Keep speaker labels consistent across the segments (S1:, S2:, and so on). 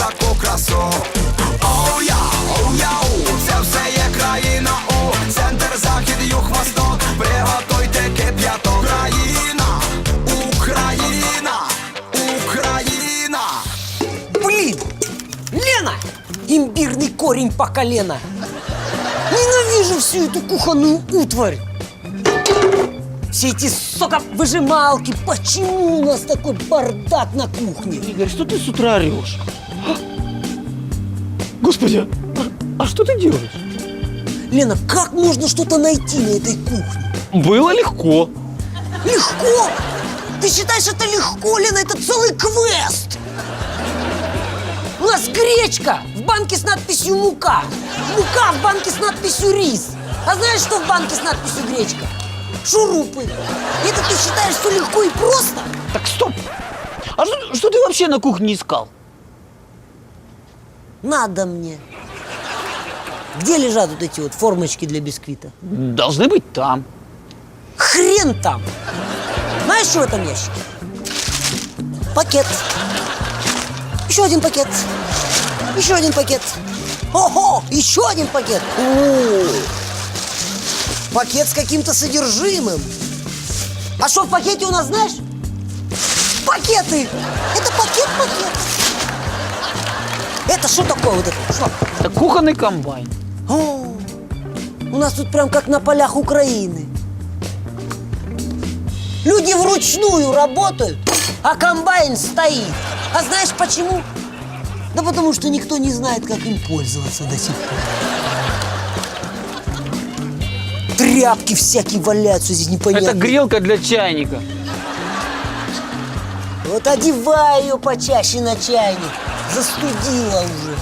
S1: таку красу. Оу-яу, це все є країна у центр, захід, юг, восток. Приготуйте кип'яток. Україна, Україна.
S2: Блин! Лена! Имбирный корень по колено! Ненавижу всю эту кухонную утварь! Все эти соковыжималки! Почему у нас такой бардак на кухне?
S3: Игорь, что ты с утра орешь? Господи, а что ты делаешь?
S2: Лена, как можно что-то найти на этой кухне?
S3: Было легко.
S2: Легко? Ты считаешь это легко, Лена? Это целый квест! У нас гречка в банке с надписью «Мука». Мука в банке с надписью «Рис». А знаешь, что в банке с надписью «Гречка»? Шурупы. Это ты считаешь все легко и просто?
S3: Так, стоп. А что ты вообще на кухне искал?
S2: Надо мне. Где лежат вот эти вот формочки для бисквита?
S3: Должны быть там.
S2: Хрен там! Знаешь, что в этом ящике? Пакет. Еще один пакет. Еще один пакет. Ого! Еще один пакет. О! Пакет с каким-то содержимым. А что в пакете у нас, знаешь? Пакеты! Это пакет-пакет. Это что такое вот это? Что?
S3: Это кухонный комбайн.
S2: О, у нас тут прям как на полях Украины. Люди вручную работают, а комбайн стоит. А знаешь почему? Да потому что никто не знает, как им пользоваться до сих пор. Тряпки всякие валяются здесь непонятно.
S3: Это грелка для чайника.
S2: Вот одевай ее почаще на чайник. Застудила уже.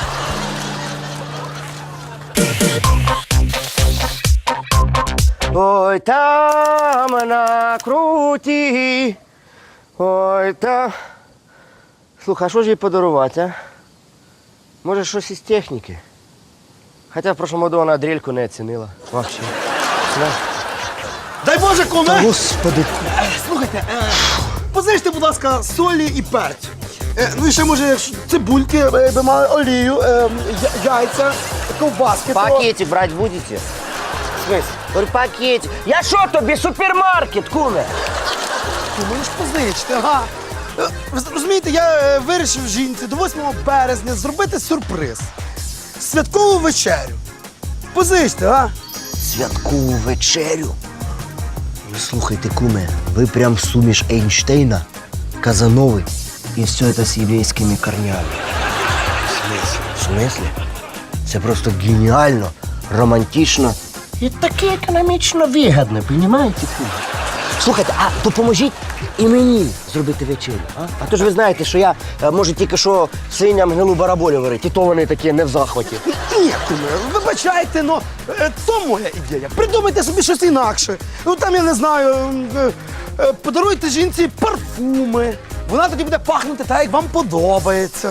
S4: Ой, там на круті. Ой, там. Слухай, а що ж їй подарувати, а? Може, щось із техніки? Хоча в прошлому году вона дрельку не оцінила. Вообще. Знаєш?
S5: Дай Боже, куме!
S4: Господи.
S5: Слухайте, позичте, будь ласка, солі і перцю. Ну і ще, може, цибульки, би мали олію, яйця, ковбаски.
S4: Пакетик брати будете? В смысле? Говорю, пакетик. Я що тобі, супермаркет, куме?
S5: Мені ж позичте, ага. Ви розумієте, я вирішив жінці до 8 березня зробити сюрприз. Святкову вечерю. Позичте, а?
S4: Святкову вечерю? Ви слухайте, куме, ви прям суміш Ейнштейна, Казанови і все це з єврейськими корнями. В смислі? Це просто геніально, романтично і таке економічно вигідно, розумієте, куме? Слухайте, а допоможіть і мені зробити вечерю, а? А то ж ви знаєте, що я можу тільки що свиням гнилу бараболю варити, і то вони такі не в захваті.
S5: Ні, куме, вибачайте, но то моя ідея. Придумайте собі щось інакше. Ну там, я не знаю, подаруйте жінці парфуми. Вона тоді буде пахнути так, як вам подобається.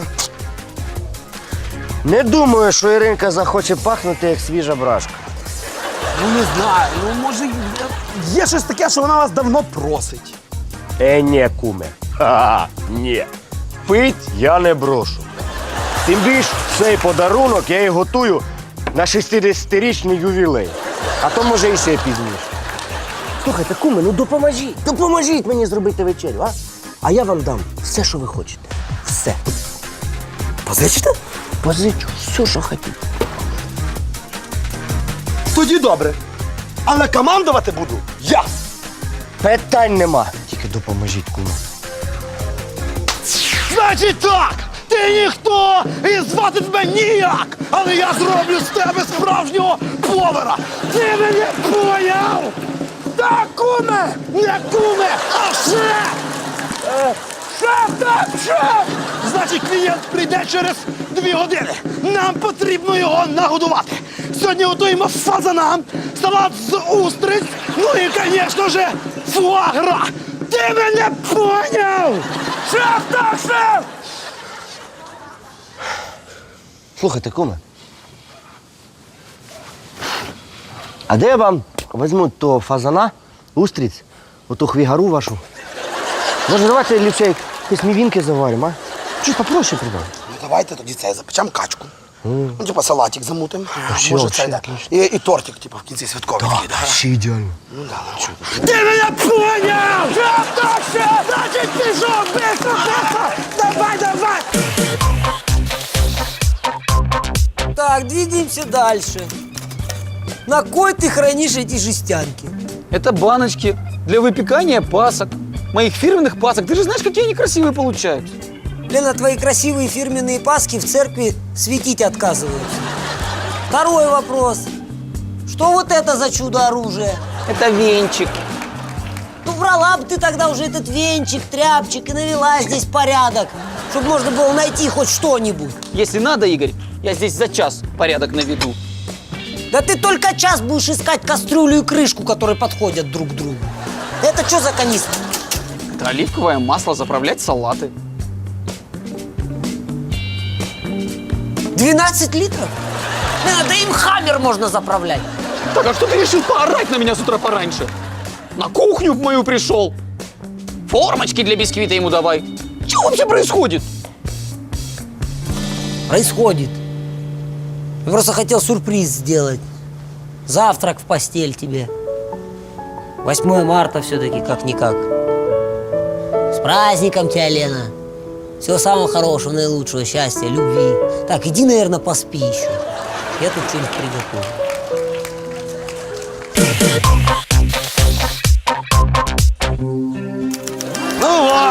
S4: Не думаю, що Іринка захоче пахнути, як свіжа брашка.
S5: Ну не знаю, ну може є щось таке, що вона вас давно просить.
S4: Ні, куме. Ха-ха, ні. Пить я не брошу. Тим більш цей подарунок я і готую на 60-річний ювілей. А то може і ще пізніше. Слухайте, куме, ну допоможіть мені зробити вечерю, а? А я вам дам все, що ви хочете. Все.
S5: Позичите?
S4: Позичу все, що хотіте.
S5: Тоді добре. Але командувати буду я.
S4: Питань нема. Тільки допоможіть, куме.
S5: Значить так, ти ніхто і звати тебе ніяк, але я зроблю з тебе справжнього повара. Ти мене поняв? Так, куме, не куме, а шеф! Шеф, так, шеф! Значить, клієнт прийде через 2 години. Нам потрібно його нагодувати. Сьогодні готуємо фазана, салат з устриць, ну і, звісно ж, фуагра. Ти мене поняв? Шеф, так, шеф!
S4: Слухайте, куме. А де я вам візьму того фазана, устриць, оту хвігару вашу? Може, давайте ліпше якісь мівінки заваримо, а? Чуть попроще придам.
S5: Ну давайте тоді це запечемо качку. Ну, типа салатик замутимо.
S4: Вообще,
S5: Може,
S4: вообще
S5: це, да.
S4: отлично.
S5: І тортик, типа, в кінці святковий такий, да.
S4: Вообще ідеально.
S5: Ну да, ну. Ти мене поняв! Так, все, значить пішов, быстро, быстро! Давай, давай!
S2: Так, двигаемся дальше. На кой ты хранишь эти жестянки?
S3: Это баночки для выпекания пасок. Моих фирменных пасок. Ты же знаешь, какие они красивые получаются.
S2: Лена, твои красивые фирменные паски в церкви светить отказываются. Второй вопрос. Что вот это за чудо-оружие?
S3: Это венчик.
S2: Ну, брала бы ты тогда уже этот венчик, тряпчик и навела здесь порядок, чтобы можно было найти хоть что-нибудь.
S3: Если надо, Игорь, я здесь за час порядок наведу.
S2: Да ты только час будешь искать кастрюлю и крышку, которые подходят друг к другу. Это что за канистра?
S3: Это оливковое масло заправлять салаты.
S2: 12 литров? Лена, да им хаммер можно заправлять.
S3: Так, а что ты решил поорать на меня с утра пораньше? На кухню мою пришел. Формочки для бисквита ему давай. Что вообще происходит?
S2: Происходит. Я просто хотел сюрприз сделать. Завтрак в постель тебе. 8 марта все-таки как-никак. С праздником тебя, Лена. Всего самого хорошего, наилучшего, счастья, любви. Так, иди, наверное, поспи еще. Я тут что-нибудь приготовлю.
S5: Ну во!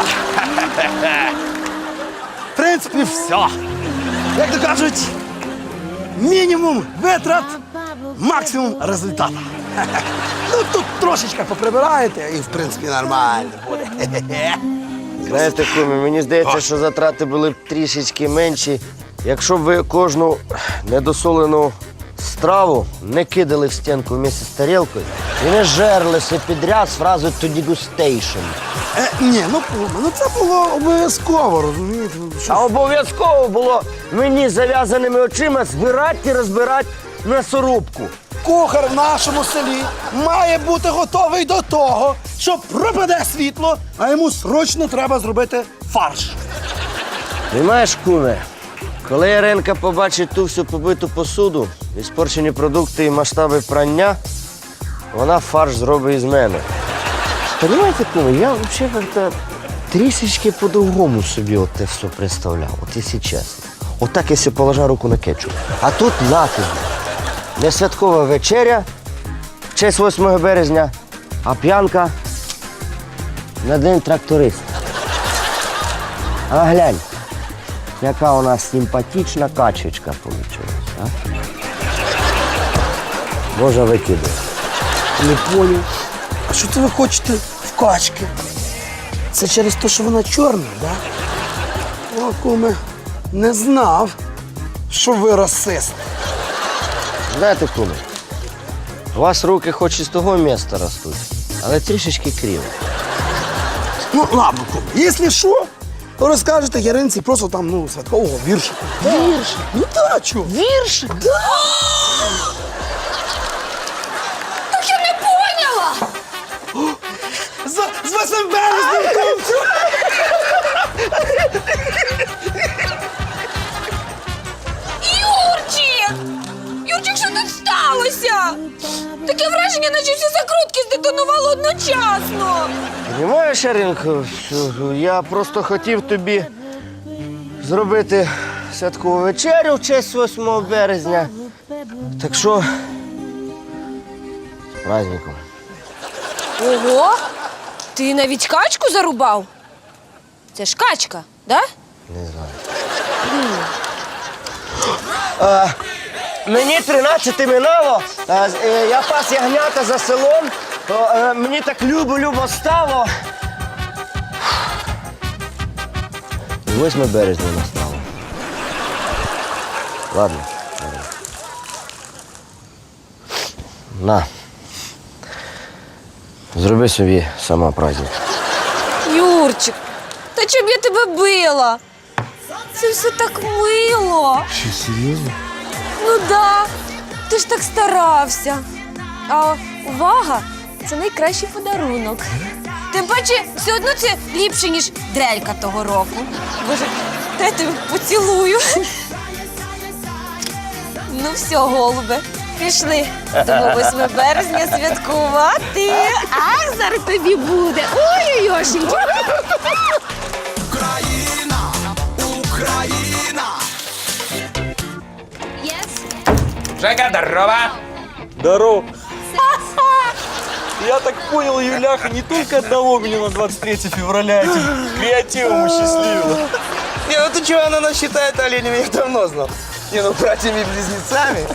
S5: В принципі, все. Як то кажуть, мінімум витрат, максимум результату. Ну тут трошечки поприбираєте і в принципі нормально буде.
S4: Знаєте, куме, мені здається, що затрати були б трішечки менші, якщо б ви кожну недосолену страву не кидали в стінку вместе з тарілкою і не жерлися підряд з фразою «to degustation».
S5: Ні, ну це було обов'язково, розумієте? Ну, що
S4: А обов'язково було мені з зав'язаними очима збирати і розбирати м'ясорубку.
S5: кухар в нашому селі має бути готовий до того, що пропаде світло, а йому срочно треба зробити фарш.
S4: Понимаєш, куме, коли Яринка побачить ту всю побиту посуду, іспорчені продукти і масштаби прання, вона фарш зробить із мене. Понимаєте, куме, я взагалі як-то трішечки по-другому собі от те все представляв, от якщо чесно. Отак, якщо положа руку на кетчуп. А тут на тобі. Не святкова вечеря в честь 8 березня, а п'янка на день тракториста. А глянь, яка у нас симпатична качечка вийшла. А? Можна викидати.
S5: Не поняв. А що це ви хочете в качки? Це через те, що вона чорна, так? Да? О, куме, не знав, що ви расист.
S4: Знаєте, куме, у вас руки хоч із того міста ростуть, але трішечки криво.
S5: Ну, ладно, куме, якщо що, то розкажете Яринці просто там, ну, святкового віршика. Віршик? Ну так, чого? Віршик? Да.
S6: Так я не поняла!
S5: З 8 березня, кумцю!
S6: Юрчик! Юрчик, що тут сталося? Таке враження, наче всі закрутки здетонували одночасно.
S4: Понимаєш, Яринко, що я просто хотів тобі зробити святкову вечерю в честь 8 березня. Так що, з праздником.
S6: Ого! Ти навіть качку зарубав? Це ж качка, да?
S4: Не знаю. Мені 13 минало, я пас ягнята за селом, то мені так любо стало. 8 березня настало. Ладно. На. Зроби собі сама праздник.
S6: Юрчик, та чоб я тебе била? Це все так мило.
S4: Що, серйозно?
S6: Ну да, ти ж так старався. А увага – це найкращий подарунок. Тим паче, все одно це ліпше, ніж дрелька того року. Боже, Та я тебе поцілую. Ну все, голубе, пішли. Тому 8 березня святкувати. Ах, зараз тобі буде. Ой-ой-ой.
S1: Україна, Україна.
S3: Жека, здорово!
S7: Здорово. Я так понял, Юляха не только одного меня на 23 февраля этим креативом осчастливила.
S5: Не, ну ты чего, она нас считает оленями, я давно знал. Не, ну братьями-близнецами.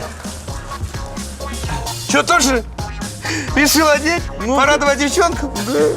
S5: Че, тоже решил одеть?
S7: Ну,
S5: Порадовать девчонку?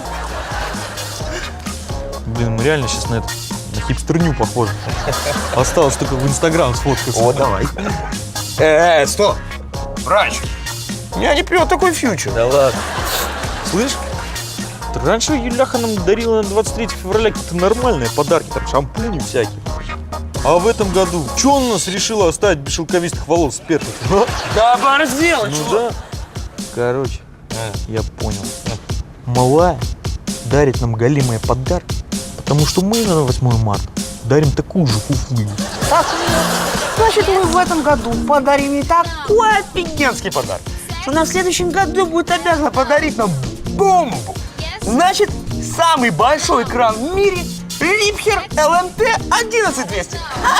S7: Блин, мы реально сейчас на хипстерню похожи. Осталось только в Инстаграм сфоткаться.
S5: О, давай. Стоп. Врач. Я не пью такой фьючер.
S7: Да ладно. Слышь, раньше Юляха нам дарила на 23 февраля какие-то нормальные подарки, там шампуни всякие. А в этом году, что он нас решила оставить без шелковистых волос сперших?
S5: Да оборзел,
S7: Ну да. Короче, я понял. Малая дарит нам голимые подарки, потому что мы на 8 марта дарим такую же фуфлю.
S8: Значит, мы в этом году подарим ей такой офигенский подарок, что она в следующем году будет обязана подарить нам бомбу. Значит, самый большой экран в мире Липхер LMT 11200.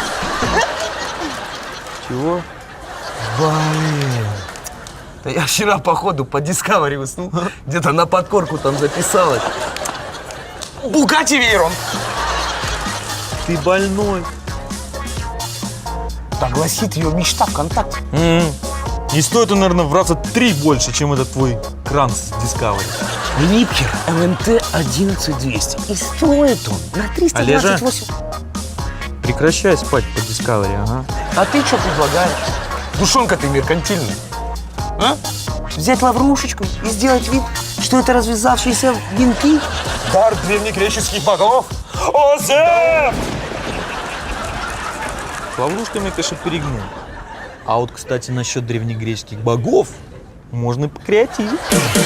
S7: Чего?
S5: Блин. Да я вчера, походу, по Discovery уснул. Где-то на подкорку там записалось. Bugatti Veyron.
S7: Ты больной.
S5: Так гласит ее мечта ВКонтакте.
S7: Не стоит он, наверное, в раза 3 больше, чем этот твой кран с Discovery.
S5: Липхер LMT 11200. И стоит он на 328.
S7: Прекращай спать по Discovery, ага.
S5: А ты что предлагаешь? Душонка ты меркантильная. А? Взять лаврушечку и сделать вид, что это развязавшиеся венки?
S7: Дар древнегреческих богов! Озеф! С ловушками, конечно, перегнул. А вот, кстати, насчет древнегреческих богов можно и покреативить.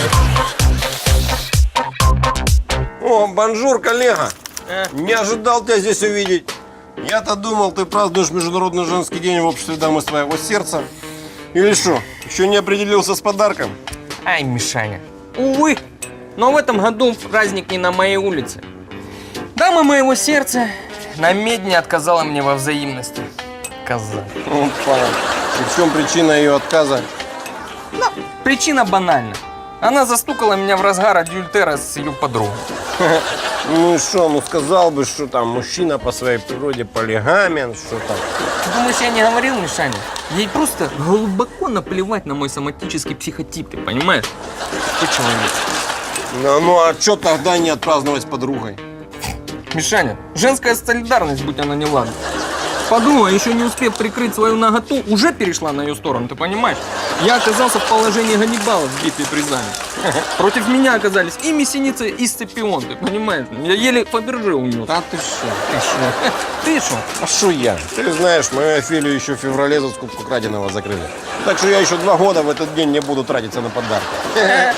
S9: О, бонжур, коллега. Не ожидал тебя здесь увидеть. Я-то думал, ты празднуешь Международный женский день в обществе дамы своего сердца. Или что, еще не определился с подарком?
S10: Ай, Мишаня, увы, но в этом году праздник не на моей улице. Дама моего сердца на медне отказала мне во взаимности. Коза.
S9: Опа. И в чем причина ее отказа?
S10: Причина банальна. Она застукала меня в разгар адюльтера с ее подругой.
S9: Ну и что, ну сказал бы, что там мужчина по своей природе полигамен, что там.
S10: Ты думаешь, я не говорил, Мишаня? Ей просто глубоко наплевать на мой соматический психотип, ты понимаешь? Ты человек.
S9: Ну а что тогда не отпраздновать с подругой?
S10: Мишаня, женская солидарность, будь она неладна. Подруга, еще не успев прикрыть свою наготу, уже перешла на ее сторону, ты понимаешь? Я оказался в положении Ганнибала в битве при Заме. Против меня оказались и Мессеница, и Сципион, ты понимаешь? Я еле Фаберже унес.
S9: Да ты что?
S10: Ты что?
S9: А что я? Ты знаешь, мою Офелию еще в феврале за скупку краденого закрыли. Так что я еще 2 года в этот день не буду тратиться на подарки.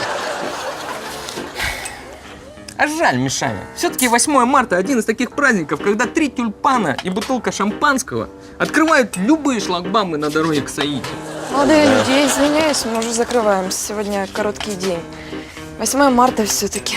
S10: А жаль, Мишаня. Все-таки 8 марта один из таких праздников, когда 3 тюльпана и бутылка шампанского открывают любые шлагбаумы на дороге к Саиде.
S6: Молодые люди, я извиняюсь, мы уже закрываем. Сегодня короткий день. 8 марта все-таки.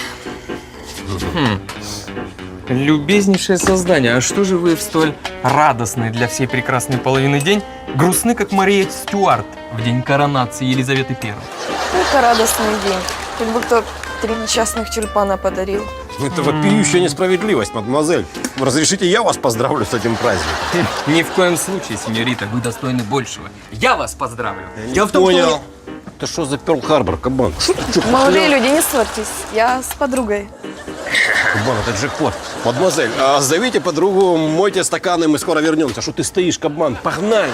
S10: Любезнейшее создание, а что же вы в столь радостный для всей прекрасной половины день грустны, как Мария Стюарт в день коронации Елизаветы I?
S6: Это радостный день. Как будто 3 несчастных тюльпана подарил.
S9: Это вопиющая несправедливость, мадемуазель. Разрешите, я вас поздравлю с этим праздником?
S10: Ни в коем случае, сеньорита, вы достойны большего. Я вас поздравлю.
S9: Я понял. Это что за Перл-Харбор, кабан? Что ты, чё,
S6: Молодые люди, не ссорьтесь. Я с подругой.
S9: кабан, это джекпот. Мадемуазель, зовите подругу, мойте стаканы, мы скоро вернемся. Что ты стоишь, кабан? Погнали!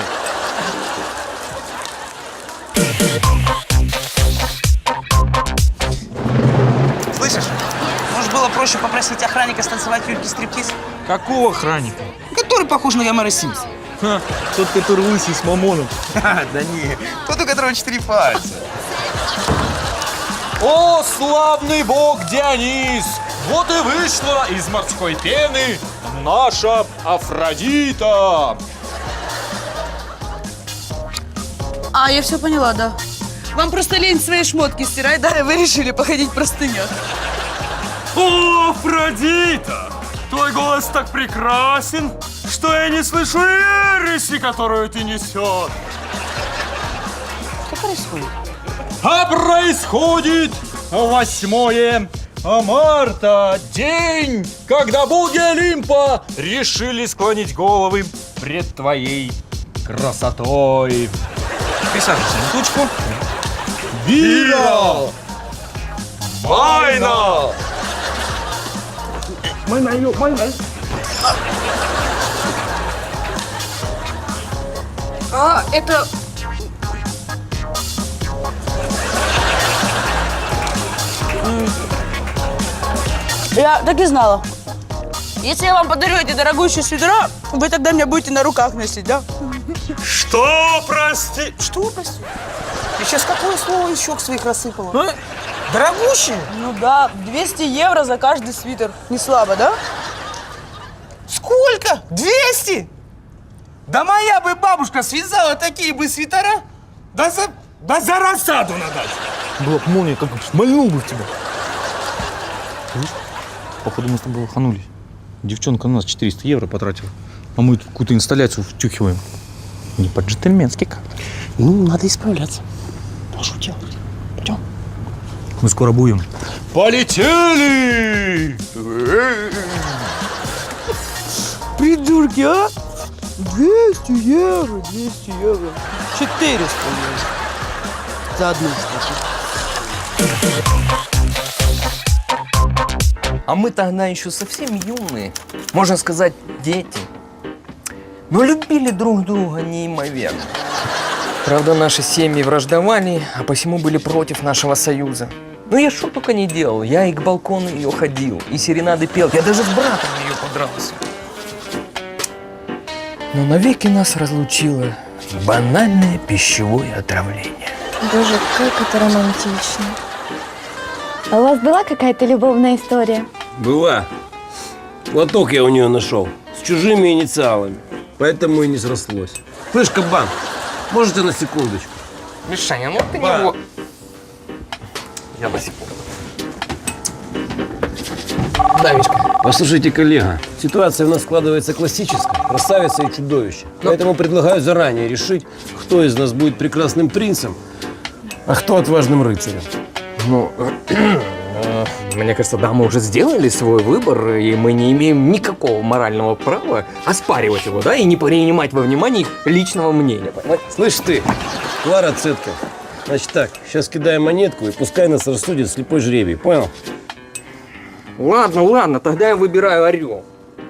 S8: Слышишь? Может, было проще попросить охранника станцевать Юльке стриптиз?
S7: Какого охранника?
S8: Который похож на Ямара Симпса.
S7: Ха, тот, который лысый с мамоном.
S8: Да не, тот, у которого 4 пальца.
S7: О, славный бог Дионис! Вот и вышла из морской пены наша Афродита.
S11: А, я все поняла, да. Вам просто лень свои шмотки стирать, да, и вы решили походить в простынях.
S7: О, Афродита! Твой голос так прекрасен, что я не слышу ереси, которую ты несешь.
S11: Что происходит?
S7: А происходит 8 марта, день, когда боги Олимпа решили склонить головы пред твоей красотой. Присаживайся на тучку. Вира! Майна!
S11: А, это... Я так и знала. Если я вам подарю эти дорогущие свитера, вы тогда меня будете на руках носить, да?
S7: Что, прости?
S8: Что, прости? Ты сейчас какое слово еще к своих рассыпала? Дорогущие?
S11: Ну да, 200 евро за каждый свитер. Не слабо, да?
S8: Сколько? 200? Да моя бы бабушка связала такие бы свитера, да за рассаду на дачу.
S7: Была бы молния, как шмальнул бы в тебя. Слышь, походу мы с тобой лоханулись. Девчонка на нас 400 евро потратила, а мы тут какую-то инсталляцию втюхиваем. Не по-джентльменски как.
S4: Ну, надо исправляться. А что делать? Пойдем.
S7: Мы скоро будем. Полетели!
S11: Придурки, а? 200 евро, 200 евро. 400 евро. За одну штуку.
S10: А мы тогда еще совсем юные, можно сказать, дети. Но любили друг друга неимоверно. Правда, наши семьи враждовали, а посему были против нашего союза. Ну я что только не делал. Я и к балкону ее ходил, и серенады пел. Я даже с братом ее подрался. Но навеки нас разлучило банальное пищевое отравление.
S6: Боже, как это романтично. А у вас была какая-то любовная история?
S9: Была. Платок я у нее нашел. С чужими инициалами. Поэтому и не срослось. Слышь, кабан, можете на секундочку?
S10: Мишаня, ну ты
S9: Ба.
S10: него... Я босиком. Да, Мишка.
S9: Послушайте, коллега, ситуация у нас складывается классическая. Красавица и чудовище. Поэтому предлагаю заранее решить, кто из нас будет прекрасным принцем, а кто отважным рыцарем.
S10: Ну, мне кажется, да, мы уже сделали свой выбор, и мы не имеем никакого морального права оспаривать его, да, и не принимать во внимание их личного мнения. Понимаешь?
S9: Слышь ты, Клара Цетка, значит так, сейчас кидаем монетку и пускай нас рассудит слепой жребий, понял?
S10: Ладно, ладно, тогда я выбираю орел.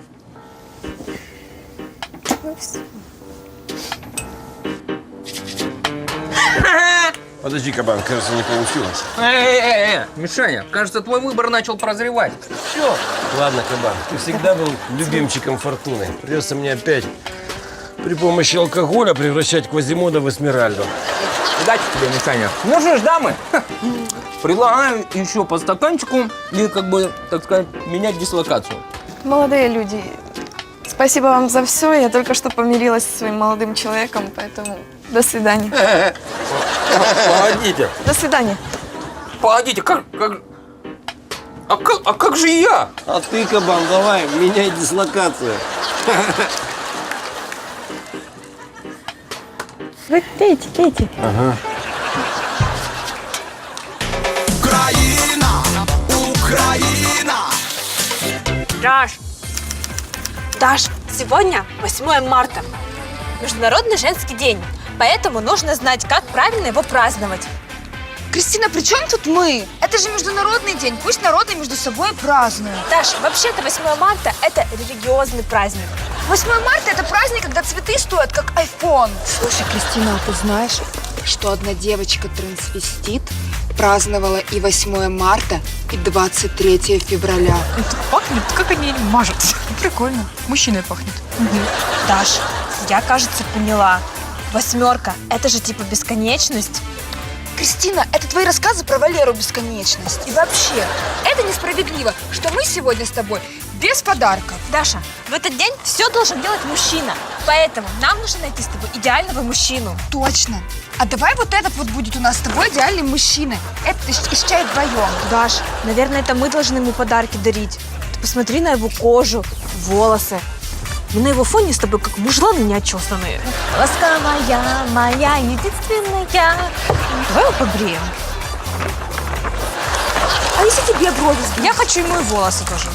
S9: Подожди, кабан, кажется, не получилось.
S10: Мишаня, кажется, твой выбор начал прозревать.
S9: Все. Ладно, кабан, ты всегда был любимчиком фортуны. Придется мне опять при помощи алкоголя превращать Квазимода в Эсмеральду.
S10: Удачи тебе, Мишаня. Ну что ж, дамы, предлагаю еще по стаканчику и, как бы, так сказать, менять дислокацию.
S12: Молодые люди, спасибо вам за все. Я только что помирилась со своим молодым человеком, поэтому до свидания.
S10: Погодите.
S12: До свидания.
S10: Погодите, А как же я?
S9: А ты, кабан, давай, меняй дислокацию.
S6: Вы пейте, пейте.
S9: Ага.
S1: Украина, Украина.
S6: Даш, сегодня 8 марта. Международный женский день. Поэтому нужно знать, как правильно его праздновать.
S12: Кристина, при чем тут мы? Это же международный день. Пусть народы между собой празднуют.
S6: Даш, вообще-то 8 марта – это религиозный праздник.
S12: 8 марта – это праздник, когда цветы стоят, как iPhone.
S13: Слушай, Кристина, а ты знаешь, что одна девочка-трансвестит праздновала и 8 марта, и 23 февраля?
S11: Пахнет, как они мажутся. Прикольно. Мужчиной пахнет.
S6: Даш, я, кажется, поняла. 8 – это же типа бесконечность.
S12: Кристина, это твои рассказы про Валеру бесконечность. И вообще, это несправедливо, что мы сегодня с тобой
S13: без подарков.
S6: Даша, в этот день все должен делать мужчина. Поэтому нам нужно найти с тобой идеального мужчину.
S13: Точно. А давай вот этот вот будет у нас с тобой идеальный мужчина. Это из чая вдвоем.
S6: Даш, наверное, это мы должны ему подарки дарить. Ты посмотри на его кожу, волосы. Мы на его фоне с тобой как мужланы неотчесанные. Ласковая моя, единственная. Давай его побреем. А если тебе брови сбить? Я хочу ему и волосы тоже.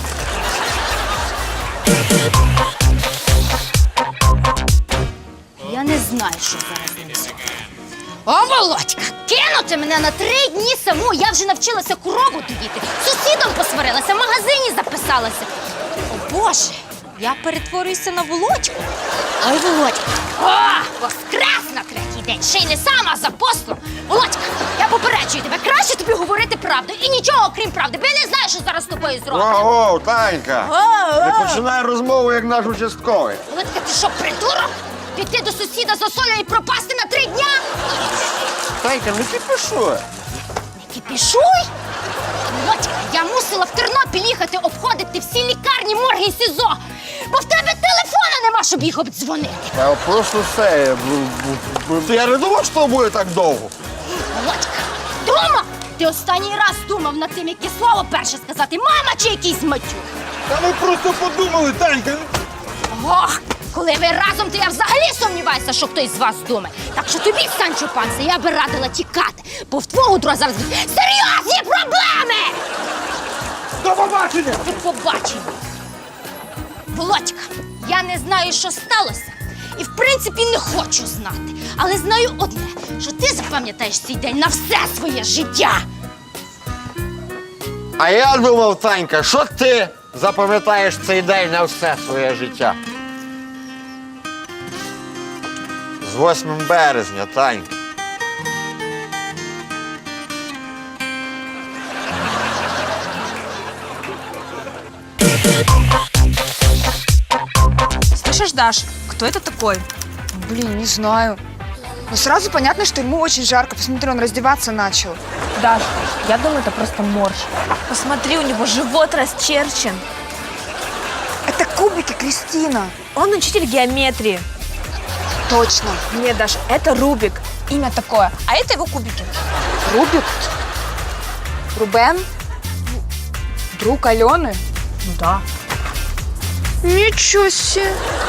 S14: Я не знаю, що зараз несе. О, Володька, кинути мене на 3 дні саму. Я вже навчилася корову доїти. З сусідом посварилася, в магазині записалася. О, Боже, я перетворююся на Володьку. Ой, Володька, воскрес на 3-й день. Ще й не сам, а за послом. Володька, я попереджую тебе, краще тобі говорити правду. І нічого, крім правди, бо я не знаю, що зараз з тобою зроблять.
S9: Ого, Танька! Не починай розмову, як наш участковий.
S14: Володька, ти що, придурок? Піти до сусіда за солью і пропасти на 3 дня?
S9: Танька, не кипішуй.
S14: Не кипішуй? Володька, я мусила в Тернопіль їхати обходити всі лікарні, морги і СІЗО, бо в тебе телефона нема, щоб їх обдзвонити.
S9: Я просто все. Я не думав, що буде так довго.
S14: Володька, думав? Ти останній раз думав над тим, яке слово перше сказати, мама чи якийсь матюк?
S9: Та ми просто подумали, Танька.
S14: Ох, коли ви разом, то я взагалі сумніваюся, що хтось з вас думає. Так що тобі, Санчо Панса, я би радила тікати, бо в твого друга зараз серйозні проблеми!
S9: До побачення!
S14: До побачення! Володька, я не знаю, що сталося, і в принципі не хочу знати. Але знаю одне, що ти запам'ятаєш цей день на все своє життя.
S9: А я думав, Танька, що ти запам'ятаєш цей день на все своє життя? З 8 березня, Танька.
S6: Слышишь, Даш, кто это такой?
S13: Блин, не знаю. Но сразу понятно, что ему очень жарко. Посмотри, он раздеваться начал.
S6: Даш, я думаю, это просто морж. Посмотри, у него живот расчерчен.
S13: Это кубики, Кристина.
S6: Он учитель геометрии.
S13: Точно.
S6: Нет, Даш, это Рубик. Имя такое. А это его кубики.
S13: Рубик? Рубен? Друг Алены?
S6: Ну да.
S13: Ничего себе.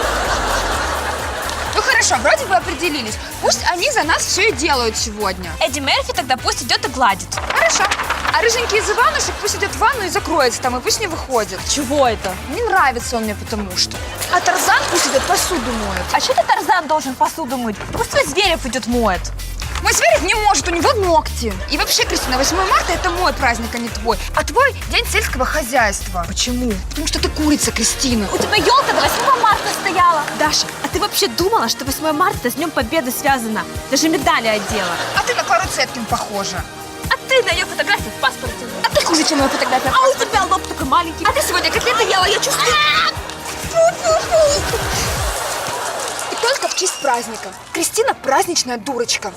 S13: Ну хорошо, вроде бы определились. Пусть они за нас все и делают сегодня.
S6: Эдди Мерфи тогда пусть идет и гладит.
S13: Хорошо. А рыженький из Иванушек пусть идет в ванну и закроется там, и пусть не выходит.
S6: Чего это?
S13: Не нравится он мне потому что. А Тарзан пусть идет посуду моет.
S6: А что ты, Тарзан, должен посуду мыть? Пусть твой Зверев идет моет.
S13: Мой Зверев не может, у него ногти. И вообще, Кристина, 8 марта это мой праздник, а не твой. А твой день сельского хозяйства. Почему? Потому что ты курица, Кристина.
S6: У тебя елка до 8 марта стояла. Даша, а ты вообще думала, что 8 марта с Днем Победы связано? Даже медали одела.
S13: А ты на Клару Цеткин похожа.
S6: А ты на ее фотографии в паспорте.
S13: А ты хуже, чем моя фотография.
S6: А у тебя лоб такой маленький.
S13: А ты сегодня котлеты ела, я чувствую. И только в честь праздника. Кристина праздничная дурочка.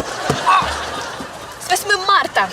S6: С 8 марта.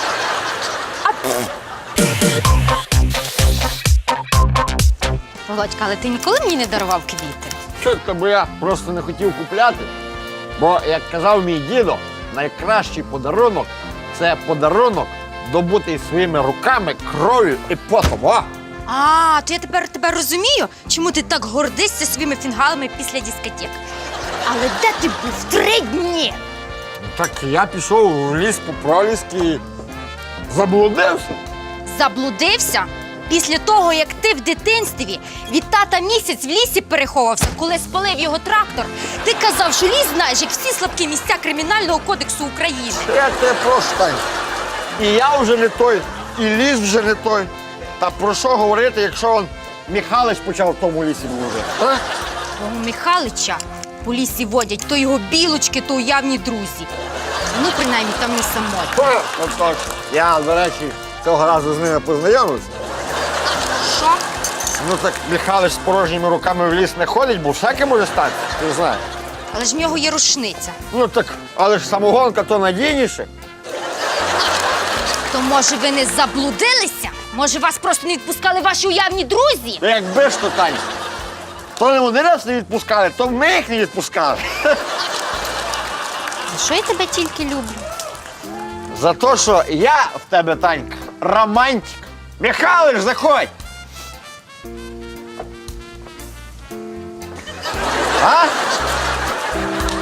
S14: Володька, але ти ніколи мені не дарував квіти?
S15: Чітко, бо я просто не хотів купляти. Бо, як казав мій дідо, найкращий подарунок – це подарунок, добутий своїми руками, кров'ю і потом. О!
S14: А, то я тепер тебе розумію, чому ти так гордишся своїми фінгалами після дискотек. Але де ти був 3 дні?
S15: Так я пішов в ліс по проліски і заблудився.
S14: Заблудився? Після того, як ти в дитинстві від тата місяць в лісі переховався, коли спалив його трактор, ти казав, що ліс знаєш, як всі слабкі місця Кримінального кодексу України.
S15: Я тебе прошу, Тань. І я вже не той, і ліс вже не той. Та про що говорити, якщо он Михайлович почав в тому лісі блудити?
S14: Того Михайлича по лісі водять то його білочки, то уявні друзі. Ну, принаймні, там не самотні.
S15: От точно. Я, до речі, цього разу з ними познайомився.
S14: Що?
S15: Ну так Михайлович з порожніми руками в ліс не ходить, бо всяке може статися, ти знаєш.
S14: Але ж в нього є рушниця.
S15: Ну так, але ж самогонка то надійніше.
S14: То, може, ви не заблудилися? Може, вас просто не відпускали ваші уявні друзі?
S15: Якби ж то, Тань, то не вони нас не відпускали, то ми їх не відпускали.
S14: За що я тебе тільки люблю?
S15: За те, що я в тебе, Танька, романтик. Михайлович, заходь! А?